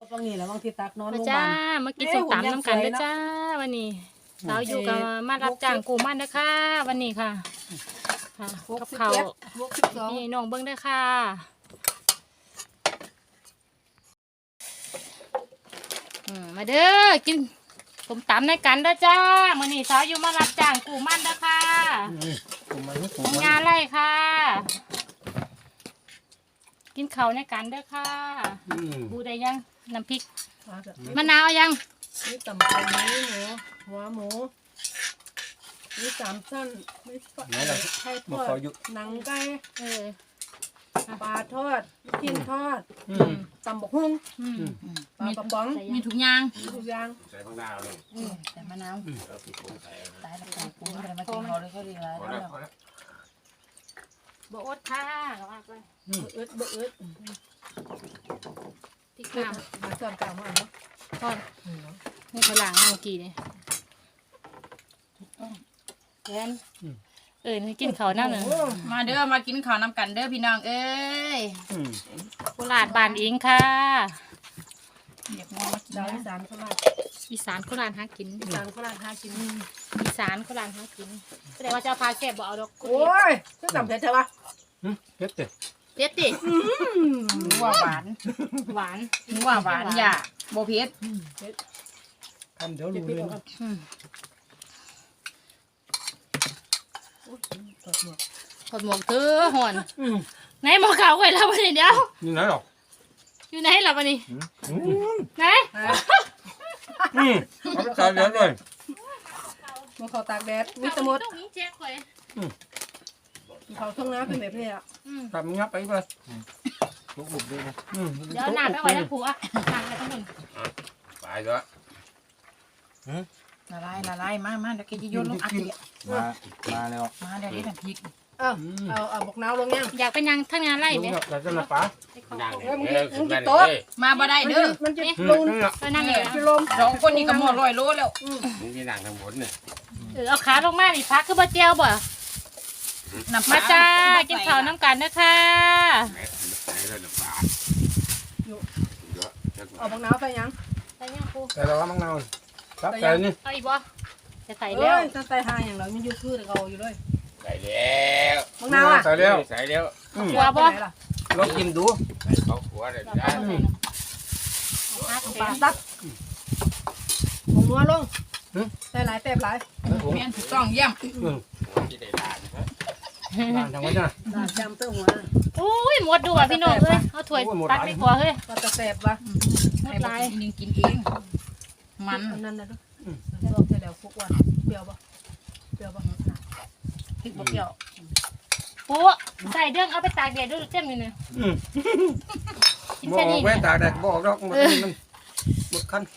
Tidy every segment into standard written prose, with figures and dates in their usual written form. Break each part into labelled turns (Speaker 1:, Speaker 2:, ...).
Speaker 1: บางนี่แหละบางทีตักนอนโรงพยา
Speaker 2: จ้า
Speaker 1: บาล
Speaker 2: มากินส้มตำน้ำกันเด้อจ้าวันนี้สาวอยู่กับมารับจ้างกูมันเด้อค่ะวันนี้ค่ะกับเขาวนี่น้องเบิ้งเด้อค่ะมาเด้อกินส้มตำในกันเด้อจ้าวันนี้สาวอยู่มารับจ้างกูมันเด้อค่ะของงานไรค่ะกินเขาวในกันเด้อค่ะบูได้ยังน้ำพริกมะนาวยัง
Speaker 1: นี่ตำปูนี่หมูหัวหมูนี่สามชั้นนี่ไข่ทอดหนังไก่ปลาทอดกินทอดตำบกหุ่งปลากระป๋อง
Speaker 2: มีถุงยาง
Speaker 3: ใส่มะนาวเลย
Speaker 2: ใส่มะนาว
Speaker 4: ตายแล้วกูไม่ได้มากินเขาเลยเขาดีแล้ว
Speaker 2: บอดค่ะว่าไป
Speaker 1: บ่อึด
Speaker 2: พริกน้
Speaker 1: ำมาเติมกาวมาเนาะ
Speaker 2: ำทอดนี่ไปล้างเมื่อกี้นี่แอนนี่กินข้าวน้ำหนึ่ง
Speaker 4: มาเด้อมากินข้าวน้ำกันเด้อพี่น้องเอ้ย
Speaker 2: โคราชบ้านเองค่ะ
Speaker 4: เรียกว่า
Speaker 1: ดาวอีสานโคราช
Speaker 2: อีสานโคราชหากิน
Speaker 1: อีสานโคราชหากิน
Speaker 2: อีสานโคราชหากินแสดงว่าเจ้าพาแซ่บบ่เอาดอก
Speaker 1: โอ้ยจะตำเผ็ดใช่ปะ
Speaker 3: เผ็ด
Speaker 2: ดิ
Speaker 4: ว่าหวานว่าหวานอย่าโบเผ็ด
Speaker 3: ทำเดี๋ยวรู้เลย
Speaker 2: ถอดหมวกเธอห่อนไหนหมวกขาวไว้แล้ววันนี้เดียว
Speaker 3: อยู่ไหนหรอ
Speaker 2: อยู่ไหนหรอวันนี้ไหน
Speaker 3: เอาไปตากแดดเลย
Speaker 1: มาเขาตากแดดมีตะมดเขาท่องน้ำเป็นแบบนี้อ่ะ
Speaker 3: ทำงับไปเลยลุกบุบด้วยนะ
Speaker 2: เดี๋ยวหนาไปไว้แล้วผัวหนาไปทั้งหมด
Speaker 3: ไปแล้ว
Speaker 4: ละลายมาเดี๋ยวแกจะโยนลงอัดอีก
Speaker 3: มาแล้ว
Speaker 4: มาเดี๋ยวนี้น้ำพริก
Speaker 1: เอาบอกน้าวลงยัง
Speaker 2: อยากไปยังทั้งงานไร่ไหม
Speaker 3: อยากจะมาป๋า
Speaker 1: มึงจะโต๊ะ
Speaker 4: มาบ่ได้เด้อ
Speaker 1: มันจะลง
Speaker 2: ไปนั่งเลย
Speaker 1: จะลม
Speaker 4: 2คนนี้ก็หมด100 โลแล้ว
Speaker 3: มึงที่นั่งทางบนเนี่ย
Speaker 2: เอาขาลงมาดิพักคือบ่เจียวบ่มาจ้ากินข้าวน้ำกันนะคะ
Speaker 1: เอาบอกน้าวใส่ยัง
Speaker 2: ใส่ยังครู
Speaker 3: ใส่แล้วมังนาวครับใส่นี่
Speaker 2: เอาอีกบ่จะใส่แล้ว
Speaker 1: จะใส่หาอย่างเรามันอยู่คือเราอยู่เลย
Speaker 3: ใส่แล้ว
Speaker 1: มังนาวอ่ะ
Speaker 3: ใส่แล้ว
Speaker 2: ขัวบ่
Speaker 3: ลองกินดูใส่ข้าวขัวเลยได้
Speaker 1: ปลาซับของนัวลงใส่หลายแป๊บหลาย
Speaker 4: เมียนถูกต้องเยี่ยม
Speaker 3: ด่านทางวัดนะ
Speaker 1: ด่านจำเต้าหัว
Speaker 2: โอ้ยหมดดูอ่ะพี่น้องเลยเอาถ้วยตักดีกว่าเฮ้ย
Speaker 1: ปลาตะแสบวะ
Speaker 2: หมดลาย
Speaker 4: นึงกินเองมัน
Speaker 1: นั่นนะบอกจะเดี๋ยวคุกวันเปรี้ยวปะเปรี้ยวปะ
Speaker 4: พริกบะเปรี้ยว
Speaker 2: ปูใส่เรื่องเอาไปตากแดดด้วยเต็มเลยเนี่ย
Speaker 3: บอกไว้ตากแดดบอกดอกมันหมดคัน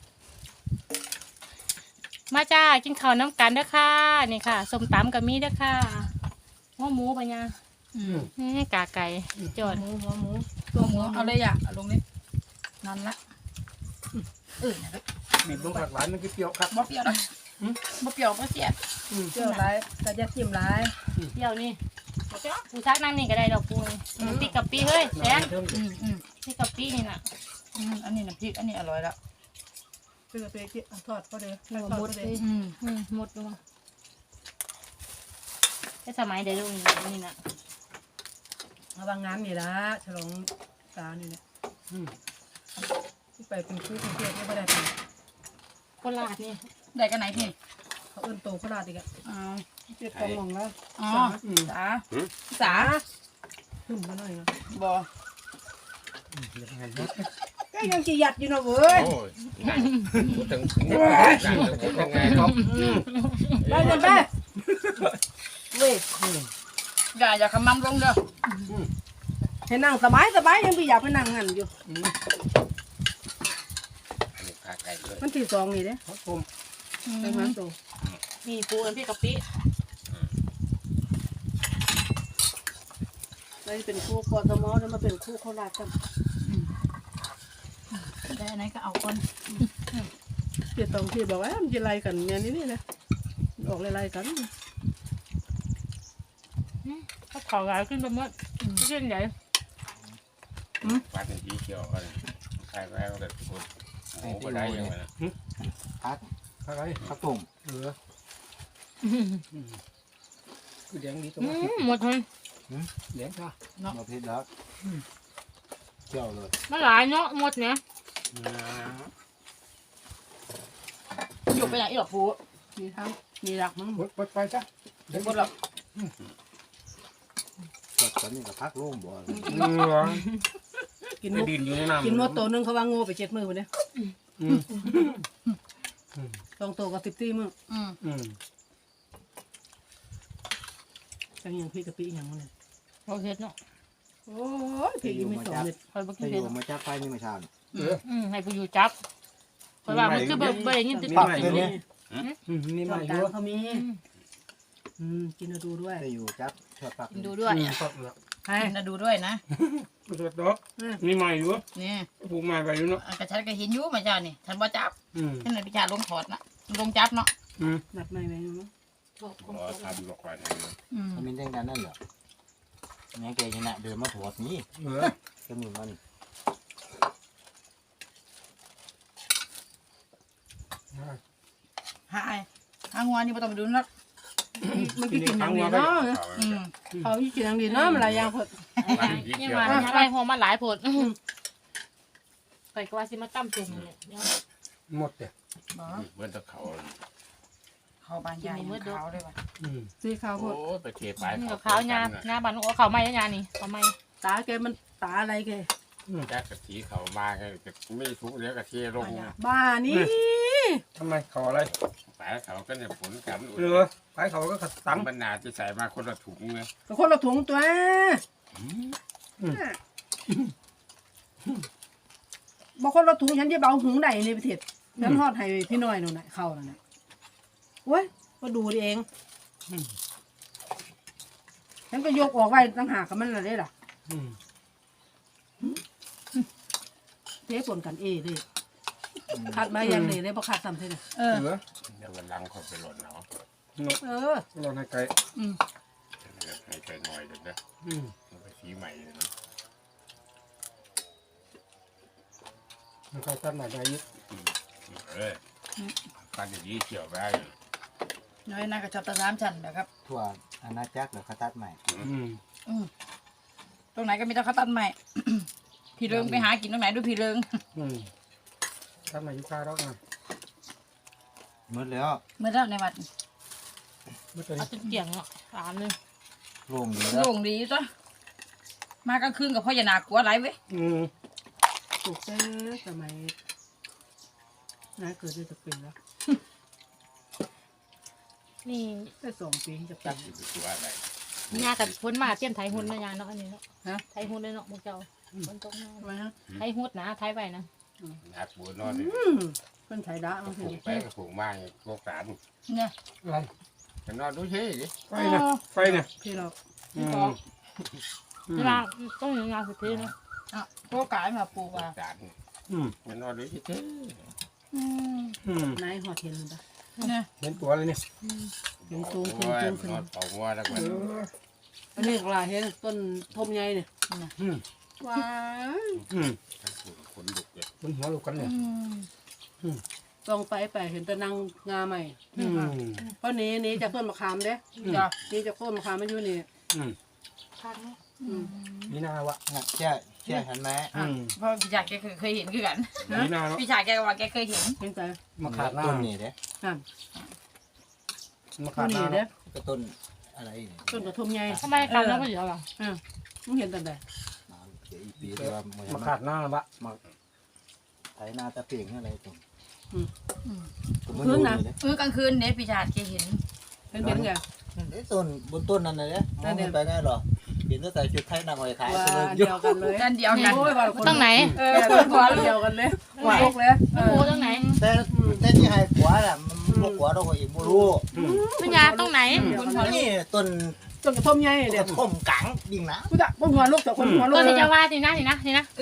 Speaker 2: มาจ้ากินข้าวน้ำกันเด้อค่ะนี่ค่ะส้มตำกับมีเด้อค่ะหัวหมูปะเนี่ยนี่กาไก่จอด
Speaker 1: หัวหมู
Speaker 4: ตัวหมูเอาเลยอ่ะลงนี่นั่นละ
Speaker 3: บีบลงผักหวานมันก็เปรี้ยวครับ
Speaker 4: บ่เปรี้ยวนะบ่เปรี้ยวบ่เสีย
Speaker 1: เปรี้ยวร้ายแต่จะจิ้มร้าย
Speaker 2: เปรี้ยวนี่ปูชักนั่งนี่ก็ได้ดอกปูพริกกับปีเฮ้ยแซนพริกกับปีนี่น่ะ
Speaker 4: อันนี้น้ำพริกอันนี้อร่อยละ
Speaker 1: พริกกับปีทอดก็เด้อ
Speaker 2: หมดเลยหมดเลยแต่สมัยเดี๋ยวนี่น่ะ
Speaker 1: บางงานนี่ละฉลองตานี่เนี่ยที่ไปเป็นคู่เป็นเพื่อนไม่ได้ไป
Speaker 2: โคราชนี่
Speaker 4: ได้กันไหนพี่
Speaker 1: เขาเอิ้นโตโคราชอีกอ่ะเจ็ดกองลงแล้ว
Speaker 4: สา
Speaker 1: ขึ้นมาหน่อยนะ
Speaker 4: บ่
Speaker 1: ก็ยังจีหยัดอยู่นะเว้ย
Speaker 3: ถึงยังไงครับ
Speaker 1: ได้ยังไงเว้ย
Speaker 4: อย่าขมำลงเด้อ
Speaker 1: ให้นั่งสบายยังพี่อยากไปนั่งงั้นอยู่มันที่สองนี่เด้
Speaker 3: ครับผม
Speaker 1: ไปมันโต
Speaker 2: นี่ปูอันพี่กับปี
Speaker 1: ไปเป็นคู่กอทมแล้วมาเป็นคู่โคราชกัน
Speaker 4: ได้ไหนก็เอาคน
Speaker 1: เดี๋ยวตรงที่บอกว่ามันจะไล่กันเนี่ยนี่นะออกไล่กัน
Speaker 2: ก็ขอหลายขึ้นไปหมดขึ้นใหญ่
Speaker 3: ปลาเป็นสีเขียวอะไร
Speaker 5: ครแม่ก็แบบพูดโอ้ก็ได้ยังไงนะ
Speaker 3: อะไร
Speaker 6: ข้าวต้ม
Speaker 3: คือแดงดีตรง
Speaker 2: อื
Speaker 3: นี้
Speaker 2: มหมดเลย
Speaker 3: แดงค่ะ
Speaker 6: มาเผ็ดแล้วเจียวเลย
Speaker 2: มันหลายเนาะหมดเนี่ย
Speaker 4: อยู่ไปไหนอีหรอปู
Speaker 1: มีทั้งมีหลักมั้ง
Speaker 3: หมดไปจ้ะ
Speaker 4: เดี๋ยวหมดแล้ว
Speaker 6: สดตอนนี้กับพักร่วงบ่
Speaker 1: กิน
Speaker 3: ไม่
Speaker 1: มุก
Speaker 3: ดินอยู่ในน้ำ
Speaker 1: กินหมดตัวนึงเขาว่างูไป7 มื้อพุ่นเด้ต้องโตกับ14 มื้อ จังอย่างพี่กะปิอย่างมันเนี่ย
Speaker 2: เราเฮ็ดเนาะ
Speaker 1: โอ้ยพี่ยังไม่2 เม็ด
Speaker 2: คอยบ่กิ
Speaker 6: ถ้าน อ
Speaker 2: เผ็ด
Speaker 6: ยู่มาจากไฟนี่มาชา
Speaker 2: ให้ผู้อยู่จับคอยว่ามันคือบ่ได้ยินติด
Speaker 6: ปั
Speaker 2: ปาก ก
Speaker 6: เลยเนี่ย
Speaker 3: นี่
Speaker 1: ช่
Speaker 3: มา
Speaker 1: อง
Speaker 3: อก
Speaker 1: ลา
Speaker 3: ยู่
Speaker 1: งเขามีกินเอาดูด้วย
Speaker 6: ถ้าอยู่จับเชือกปัก
Speaker 4: ดูด้วย
Speaker 3: ปักแล้ว
Speaker 1: ให้
Speaker 4: นะดูด้วยนะ
Speaker 3: สดดอกนี่มาอยู่
Speaker 4: นี่
Speaker 3: ปลูกมาไปอยู่เนาะ
Speaker 4: กระชันก็เห็นอยู่มาเจ้านี่ฉันบ่จับ
Speaker 3: อืม
Speaker 4: ฉันเลยพิจารลงถอดนะลงจับเนาะ
Speaker 1: นัดไม่ไว้เนาะ
Speaker 5: รอทำหลอกไว้
Speaker 6: มันเป็นจังนั้นนั่นเหรอเนี่ยแกชนะเดินมาถอดนี้
Speaker 3: เออ
Speaker 6: ก็มีมัน
Speaker 4: หายหางวนี่บ่ต้องไปดูนัก
Speaker 1: มันกินอย่างดีเนาะเขากินอย่างดีเนาะมันหลายอย่างเพิ่น
Speaker 2: ยังว่าอะไรหัวมันหลายผดไปก็ว่าสิมาตั้มจุ่มเนี่ย
Speaker 3: หมดเนี่ย
Speaker 4: บ่
Speaker 5: เมื่อตะเขา
Speaker 4: เขาบานยายขาวเลยว่ะ
Speaker 1: สีขาว
Speaker 5: โอ้
Speaker 1: เพิ่น
Speaker 5: ไปเทปลาย
Speaker 2: นี่กับเขาหน้าบ้านโอ้เขาไม่ยานี่เขาไม่
Speaker 1: ตาแกมันตาอะไรแก
Speaker 5: แจ๊กกะทิเขามาไงไม่ทุกเดี๋ยวกะทิลง
Speaker 1: บ้านี่
Speaker 3: ทำไมเขาอะไร
Speaker 5: ปลายเขาก็เนี่ยผลกัน
Speaker 3: เออไปเขาก็ขัด
Speaker 5: ตั้
Speaker 3: ตั
Speaker 5: ง
Speaker 3: ง
Speaker 5: บรรณาที่ใส่มาคนละถุงเลย
Speaker 1: ก็คนละถุงตัวบ่คนละถุงฉันจะเบาหุงได้ในประเทศฉันทอดให้พี่น้อยนู่นน่ะเข้านั่นน่ะโอ้ยก็ดูเองฉันก็ยกออกไว้ตั้งหากกับมันละเด้ล่ะเทปนกันเลยคัดมาอย่างเลยเลยบ่คัดซ้ำเท่านั้น
Speaker 3: เออ
Speaker 5: เดี๋ยววันหลังเขาไปหล่นเนาะ
Speaker 1: เออ
Speaker 3: เราให้ไก่
Speaker 5: ให้ไก่หน่อยเดี๋ยวนะไปสีใหม่เลยนะ
Speaker 3: มันเขาตัดมาได้ยึด
Speaker 5: การอย่างนี้เกี่ยวได้
Speaker 4: น้อยน่าก็ชอบตะ3ชั้นนะครับ
Speaker 6: ทั่วอาณาจักรหรือเขาตัดใหม่
Speaker 4: ตรงไหนก็มีแต่เขาตัดใหม่ พี่เริงไปหากินตรงไหนดูพี่เริง
Speaker 3: ตัดมาอยู่ข้าวดอกนะ
Speaker 6: หมดแล้ว
Speaker 4: เมื่อแล้วในวัด
Speaker 3: เมื่อตอน
Speaker 2: เอา
Speaker 3: นี้
Speaker 2: จนเกี่ยงเนาะถามเลย
Speaker 6: โล่งดี
Speaker 4: โล่
Speaker 6: แล้ว
Speaker 4: งดีจ้ะมากลางคืนกับพ่ออย่าหนากลัวไรเว้ย
Speaker 1: ปลูกแต่สมัยน้าเกิดได้จะเป็นแล้ว
Speaker 2: นี่
Speaker 1: ได้2 ปีจะเป็
Speaker 5: ตั้
Speaker 1: น
Speaker 5: งอยู่ตัวอะไร
Speaker 2: ยากับพ้นมาเตรียมไถหุ่นนะยาเนาะอันนี้เนาะไถหุ่นเลยเนาะมุกเจ้าคนตกมา
Speaker 1: ทำไมฮะ
Speaker 2: ไถหุ่นนะไถไปนะ
Speaker 5: นักบัวนอน
Speaker 1: เพิ่นไถดะมัน
Speaker 5: ผู
Speaker 1: คือก
Speaker 5: ไปผูกมาโรคสาร
Speaker 4: เนี่ย
Speaker 3: อะไร
Speaker 5: จะนอนดูเฉยดิ
Speaker 3: ไฟเนี่ยไฟเนี่ย
Speaker 1: พี่เรา
Speaker 2: เวลาต้องมีงานสุดที่เนาะ
Speaker 4: พวกกายมาปลูก
Speaker 5: โร
Speaker 4: อ่ะ
Speaker 5: คสารจะนอนดูเฉย
Speaker 1: นายหอดเห็นมันปะ
Speaker 4: เนี่ย
Speaker 3: เห็นตัวเลยเนี่ย
Speaker 1: เห็นสูง
Speaker 5: น
Speaker 1: ขึ้นสูงขึ้น
Speaker 5: อนเป่าหัวแล้วก็
Speaker 1: อันนี้กลาเห็นต้นทมใหญ่เนี่ยว้าย
Speaker 5: ขนลุกเลย
Speaker 3: บนหัวลูกกันเนี่ย
Speaker 1: ต้องไปเห็นแต่นางงาใหม่เพราะนี้จากต้นมะขามเด้นี่จากต้นมะขามมันอยู่นี่
Speaker 2: พักเนาะ
Speaker 3: นี่นาวะ
Speaker 6: น่ะแช่หันแม้
Speaker 4: เพราะพี่ชายแกเคยเห็นคือกัน
Speaker 3: นี่นาเนาะ
Speaker 4: พี่ชายแกก็ว่าแกเคยเห็น
Speaker 1: เห็นใจ
Speaker 3: มาขาดหน้า
Speaker 6: ต้นนี่เด้
Speaker 1: นั่น
Speaker 3: มา
Speaker 1: ต้
Speaker 3: ขาด
Speaker 1: น
Speaker 3: ห
Speaker 1: นี้
Speaker 3: น้า
Speaker 1: เด้
Speaker 6: ก็ต้นอะไรนี่
Speaker 1: ต้นกระทมใหญ่
Speaker 2: ทำไมการน้ำมันเยอะล่ะ
Speaker 1: มึงเห็นตั้งแต่
Speaker 6: เดี๋ยวอีปีเดียวมัน
Speaker 3: มาขาดหน้าบะ
Speaker 6: ไถนาตะเพียงอะไรตรง
Speaker 1: พื้นนะ
Speaker 4: กลางคืนเนี่ยพี่ชายแกเห็น
Speaker 1: เป็นไง
Speaker 6: ต้นบนต้นนั่นเลยเนี่ยมองไปได้หรอเห็นตั้งแต่ชุดไทยนางหอยขาย
Speaker 1: ว่า
Speaker 6: เลย
Speaker 1: เดียวกันเลย
Speaker 4: กันเดียวกัน
Speaker 1: โอ้ยว่าคน
Speaker 2: ต้องไหน
Speaker 1: หัวเดียวกันเลยว่าลูกเลย
Speaker 2: โอ้ต้องไหน
Speaker 6: แต่ที่ให้ขวาน่ะมันลูกขวาเราก็อีกไม่รู้
Speaker 2: พี่ยาต้องไหน
Speaker 6: นี่ต้น
Speaker 1: ต้นกระทมใหญ่
Speaker 6: ก
Speaker 1: เด็ด
Speaker 6: ระท่อมกังดิ่งนะ
Speaker 1: กูจะหัวลูกแต่คนหัวลู
Speaker 2: ตั
Speaker 1: ก
Speaker 2: วที่จะว่าสินะสินะ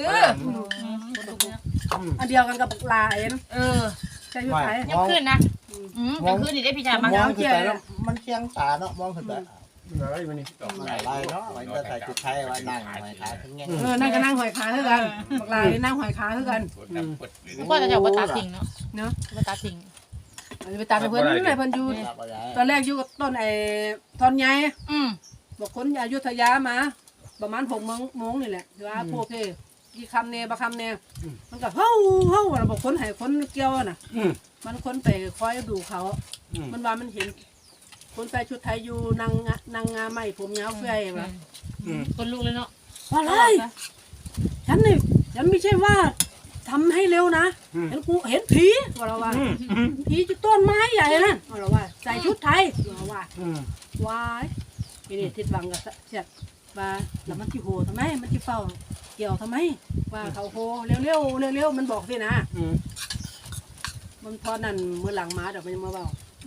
Speaker 1: อันเดียวกันกับลาเอ็น ใช่ยุทธไทย
Speaker 2: ยังขึ้นนะ
Speaker 4: กลางคืนนี่ได้พี่ชายมาม
Speaker 6: องขึ้นไปแล้วมันเชียงตาเนาะมองขึ้นไป
Speaker 3: อะไรมันนี่
Speaker 6: อะไรเนาะมันจะใส่ชุดไทยว่านั่งหอยขาทั้งแง่
Speaker 1: นั่งก็นั่งหอยขาเท่ากันบักลายนั่งหอยขาเท่ากัน
Speaker 2: พ่อจะเอาไปตัดทิ้งเนาะไปตัดทิ้ง
Speaker 1: ไปตามเพื่อนนี่ไหนเพื่อนอยู่ตอนแรกอยู่กับต้นทอนใหญ่บอกคนอยุธยามาประมาณ6 โมงนี่แหละว่าพวกกี่คำเนบะคำเนมันก็เฮ้าเราบอกคนให้คนเกี่ยวน่ะมันคนไปคอยดูเขามันว่ามันเห็นคนใส่ชุดไทยอยู่นางงาใหม่ผมยาวเฟื่อยว่ะ
Speaker 2: คนลูกเลยเนาะ
Speaker 1: ว่าอะไรฉันไม่ใช่ว่าทำให้เร็วนะเห็นผีว่าเราว่าผีจุดต้นไม้ใหญ่นั่นว่าเราว่าใส่ชุดไทยว่าว้ายนี่ทิดวังกับเสียดว่าแล้วมันที่โหทำไมมันที่เฝ้าเกี่ยวทำไมว่าเขาโหเร็วมันบอกสินะมันพอนั่นเมื่อหลังมาเดี๋ยวมันมาเบา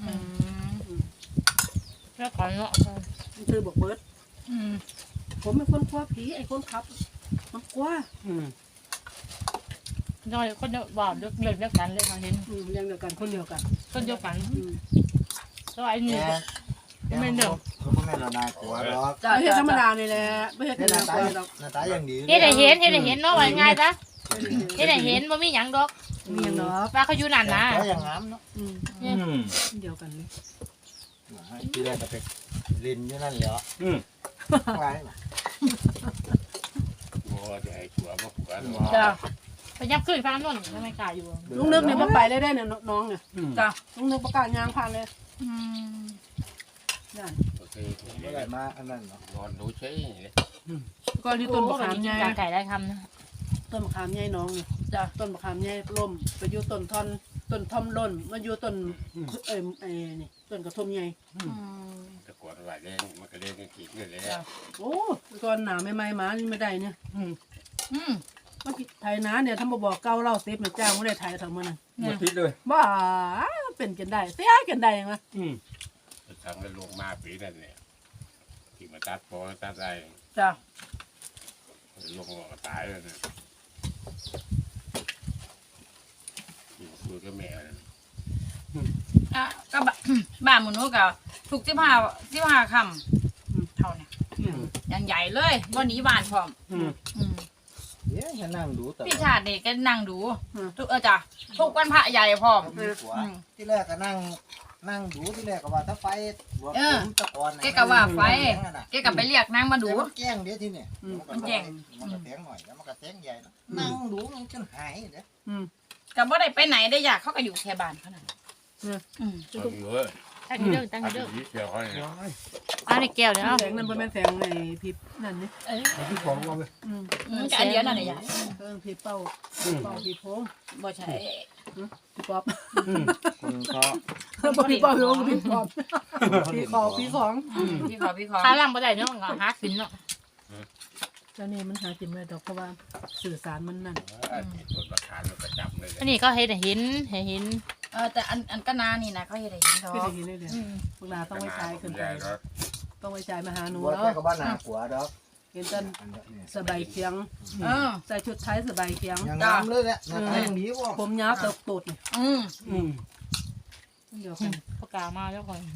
Speaker 2: แล้วขอเนาะ
Speaker 1: มันคือบอกเบิร์ดผมเป็นคนกลัวผีไอ้คนขับมันกลัว
Speaker 2: น้อยคนว่าเลิกกันเลยเขาเห็น
Speaker 1: เรื่องเดียวกันคนเดียวกัน
Speaker 2: คนเดียวกันแล้วไอ้นี่ไม่เดิม
Speaker 6: เขาไม่เรานากลัวหรอก
Speaker 1: ไม่ใช่ธรรมดาเลยแหละไม่ใช่ธรรมดาหรอก
Speaker 6: หน้าตาอย่างดี
Speaker 2: เฮ็ดให้เห็นเนาะว่าง่ายจ้ะเฮ็ดให้เห็นบ่มีหยังดอก
Speaker 1: มีอย่างเนาะ
Speaker 2: ว่าเขาอยู่นั่นนะ
Speaker 6: อย่างงามเนาะ
Speaker 1: เดียวกันเลย
Speaker 6: ที่แรกก็เป็นลินอยู่นั่นเหรอไร
Speaker 5: โอ้จะให้ผัวมาผัว
Speaker 1: จ้า
Speaker 2: ไปยับขึ้นฟ้านั่นทำไมกล้าอยู่
Speaker 1: ลุงนึกเนี่ยมาไปเลยได้เนี่ยน้องเนี่ยจ้าลุงนึกประกาศยางผ่านเลยนั่น
Speaker 5: โอเค
Speaker 6: ไม่ได้มาอันนั้นเนาะ
Speaker 5: นอนดูใช่เลย
Speaker 1: ก็ที่ต้นมะขามใหญ่
Speaker 2: ไก่ได้คำนะ
Speaker 1: ต้นมะขามใหญ่น้องเนี่ยจ้าต้นมะขามใหญ่ล่มไปอยู่ต้นทอมล่นมาอยู่ต้นนี่ต้นกระทมใหญ่
Speaker 5: ตะกวดไหวเล่นมันก็เล่นกันขีดเลยเลย
Speaker 1: โอ้ก่อนหนาไม่มานี่ไม่ได้เนี่ยมันไทยนะเนี่ยถ้ามาบอกเก้าเล่าเซฟเนี่ยจ้างไม่ได้ไทยทั้งมัน
Speaker 3: หมดทิศเลย
Speaker 1: บ้าเป็นกันได้เสียกันได้ไหม
Speaker 5: ทำกันลงมาปีนั่นเนี่ยที่มาตัดพอตัดอะไร
Speaker 1: จ้า
Speaker 5: ลงก็ตายแล้วนะอยู่คุยกับแม่นะ
Speaker 4: ก็บ้านหมูนุก็ถูก15คำเท่าเนี่ยอย่างใหญ่เลยวันนี้บ้านพร้อม
Speaker 6: เดี๋ยวฉันนั่งดูแต่
Speaker 4: พี่ชาตินี่ก็นั่งดูทุกจ้ะทุกวันพระใหญ่พร้อม
Speaker 6: ที่แรกก็นั่งดูที่แรกก็ว่าถ้าไฟตะกอน
Speaker 4: แกก็ว่าไฟแกก็ไปเรียกนางมาดู
Speaker 6: มันแจ้งเดี๋ยวที่เนี่ยมันก็แจ้งหน่อยแล้วมันก็แจ้งใหญ่นั่งดูมันจนหายเด้อ
Speaker 4: ก็บ่ได้ไปไหนได้อยากเขาก็อยู่แค่บ้านเขานั่น
Speaker 5: ต้องเยอะ
Speaker 2: ตั้งอยู่เด้อ
Speaker 5: อันนี้เกี่ยวเขาเนี่ย
Speaker 2: อันนี้แก้วเดี๋ยว
Speaker 1: แสงนั่นเป็นแสงในพิบนั่นนี่
Speaker 3: ที่ของเราเลย
Speaker 4: อันเดียวนั่นแหละยาย
Speaker 1: พิบเป้าพิบโพง
Speaker 4: บ่ใช่
Speaker 1: พิบป๊อป
Speaker 6: คนเขา
Speaker 1: พิบป๊อปพิบป๊อปพิบของ
Speaker 4: พี่ขอ
Speaker 2: ขาล่างบ่ได้เนาะหาขึ้นเนาะ
Speaker 1: แล้วนี่มันหากินไม่ได้ดอกเพราะว่าสื่อสารมันนั่น
Speaker 5: ส่วนราคาเราก็จับเลย
Speaker 2: อันนี้ก็เฮ็ดให้เห็น
Speaker 4: แต่อันก็นานี่นะเขาเฮ็ดให้เห็นดอ
Speaker 1: ไม่
Speaker 4: ก
Speaker 1: ได้ยินเลยเดี๋ยวพวกนาต้องไว้ใจขึ้นไปต้องไว้ใจมาหาหนู
Speaker 6: บัว
Speaker 1: แล้ว
Speaker 6: แค่กับบ้านหนาหัวดอก
Speaker 1: เห็นจนสบายเคียงใส่ชุดไทยสบายเคียง
Speaker 6: ยังงามเลยแหละหน้าตาอย่างนี้ว่ะ
Speaker 1: ผมยาวเติบโตดนี่ เดี๋ยวกัน
Speaker 2: ประกาศมาแล้วก่อน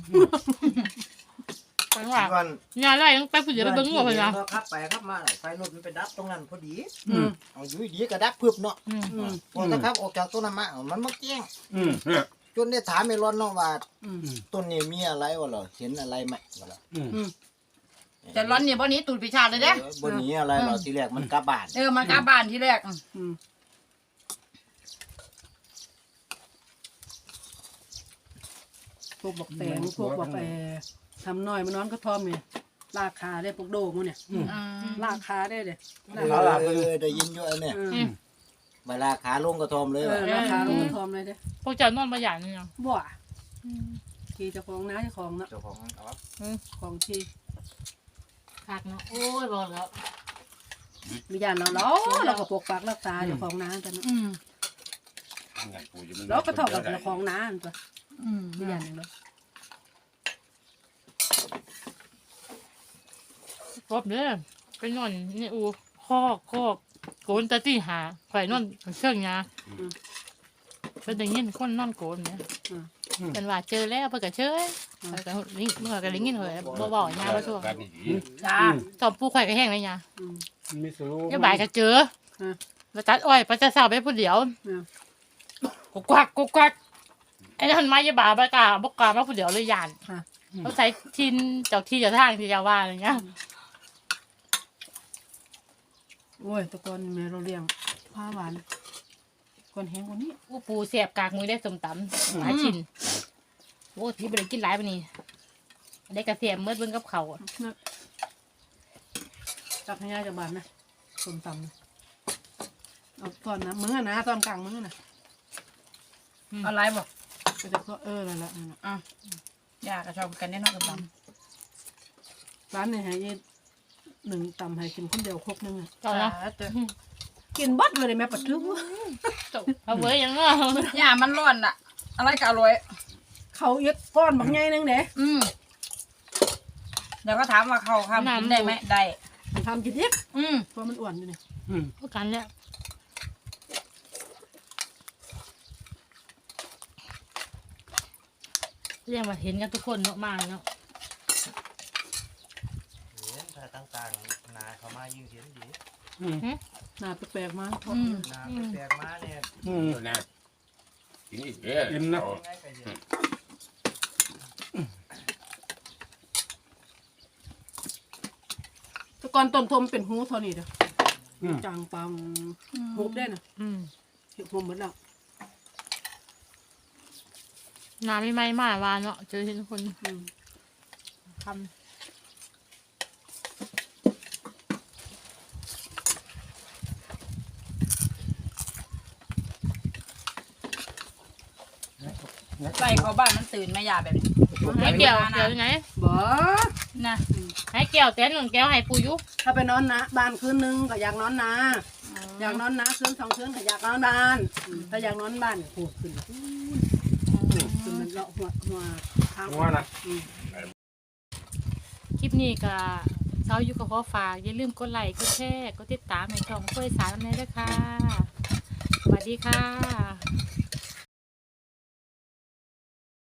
Speaker 2: ไปว่า
Speaker 6: วัน
Speaker 2: งานไรต้องไปผู้เดียวไปเบิ่งหัวเพิ่นนะ
Speaker 6: ขับไปขับมาไฟรถมันไปดับตรงนั้นพอดีเอาอยู่ดีก็ดับพึบเนาะพอถ้าขับออกจากต้นมามันมาแจ้งจนได้ถามไอ้ร้อนเนาะว่าต้นนี้มีอะไรวะเหรอเห็นอะไรไหมวะเหรอ
Speaker 4: แต่ร้อนเนี่ยบ่นี้ตูดพิชาเลยเด้
Speaker 6: บนนี้อะไรเหรอทีแรกมันกลับบ้าน
Speaker 4: มันกลับบ้านที่แรก
Speaker 1: พวกบอกแตงพวกบอกทำน้อยมันนอนก็ทอมเนี่ยลากขาได้พวกโดกมันเนี่ยลากขาได้เลย
Speaker 6: ได้ยินอยู่อันเนี่ยเวลาขาลงกระทอมเลย
Speaker 1: ลากขาลงก็ทอมเลยเด้
Speaker 2: พวกเจ้านอนบ่หยาดนี่เนาะ
Speaker 1: บ่ขี่เจ้าของน้าเจ้าของนะ
Speaker 6: เจ้าของอ๋อ
Speaker 1: ของขี่
Speaker 2: คักเนาะโอ้ยบ่แล้ว
Speaker 1: มีญาติเราก็ปกปักรักษาเจ้าของน้าแต่นะเราก็เท่ากับเจ้าของน้าตัวมีญาติอย่างเรา
Speaker 2: ครบเด้อไปนอนนี่อูคอกโกนตะตี้หาข่อยนอนเชิงยาเป็นได้ยินคนนอนโกนเนี่ยกันว่าเจอแล้วเพิ่นก็เชยแล้วก็ลิงเมื่อก็ลิงกินเลยบ่บอกยาบ่ทั่ว
Speaker 5: กันนี่ดี
Speaker 4: จ้า
Speaker 2: ตอบปูข่อยก็แห้งเลยยา
Speaker 3: มีสู
Speaker 2: อย่าบ่ายก็เจอมาตัดอ้อยไปจะสาวไปผู้เดียวกุกกักไอ้นั่นมาอย่าบ่าบ่กล้ามาผู้เดียวเลยยานเขาใช้ทินเจ้าที่เจ้าทางที่จะว่าอะไรเงี้ย
Speaker 1: โอ้ยแตะกอนแม่เราเลี้ยงผ้าหวานก่อนแห้งกว่านี้
Speaker 2: อู้ปูเสียบกากมือได้สมตำหลายชิ้นโอ้ที่บ่ได้กินหลายปานนี้ได้กระเทียมเมื่อเบิ่งกับเขาว
Speaker 1: ตักให้ยายจากบ้านนะส้มตำนะเอาตอนนะมื้อนะตอนกลางมื้อนะ
Speaker 4: อะไรบอก
Speaker 1: ก็จะก็นั่นแหละนั่นแหละ
Speaker 4: ยากก็ชอบกันแน่นอนกับบ้าน
Speaker 1: ร้านเนี่ยให้ยายหนึ่งตำให้กินคนเดียวครกนึงอ่ะ
Speaker 2: เจ้าเนาะ
Speaker 1: กินบัดเลยแม่ปัดทึก
Speaker 2: เอาเว้ยยังเนาะ
Speaker 4: ย่ามันร้อนอ่ะ อะไรก็อร่อย
Speaker 1: เขาเย็ดก้อนบางใหญ่นึงเด้
Speaker 4: เดี๋ยวก็ถามว่าเขาทำกินได้ไหมได้
Speaker 1: มันทำกินเย็ด
Speaker 4: อืม
Speaker 1: เพราะมันอ้วนอยู่นี่
Speaker 2: พวกกันแล้วเรียกว่าเห็นกันทุกคนเนาะมาเนาะ
Speaker 6: เห็นถ้าต่างๆนาเขามายิ่งเห็นดี
Speaker 1: หน้าแปลกๆมา
Speaker 6: นาแปลกๆมาเนี่ย
Speaker 5: ตัวน่ะกินอีกเด้อ
Speaker 3: อิ่มนะ
Speaker 6: ง่ายไปเยอะ
Speaker 1: แตะกอนต้นทมเป็นหูเท่านี้เด้อจางปังหูบได้น่ะเห็ดหูหมดแล้ว
Speaker 2: น้ำไม่ไหม้มากวานเนาะเจอทุกคนทำ
Speaker 4: ไล่เขาบ้านมันตื่นไม่ยาแบบนี้
Speaker 2: ให้เกี่ยวยังไง
Speaker 1: บ่
Speaker 4: นะ
Speaker 2: ให้เกี่ยวแต่หนึ่งแก้วให้ปูยุ
Speaker 1: ถ้าไปนอนนะบ้านคืนนึงก็อยากนอนนาอยากนอนนาคืน2 คืนก็อยากนอนบ้านถ้าอยากนอนบ้านโอ้ขึ้นขึ้นมันเลาะหัวทาง
Speaker 3: ว่านะ
Speaker 2: คลิปนี้ก็เช้าอยู่กับขอฝากอย่าลืมกดไลค์กดแชร์กดติดตามในช่องเพื่อสารในด้วยค่ะสวัสดีค่ะ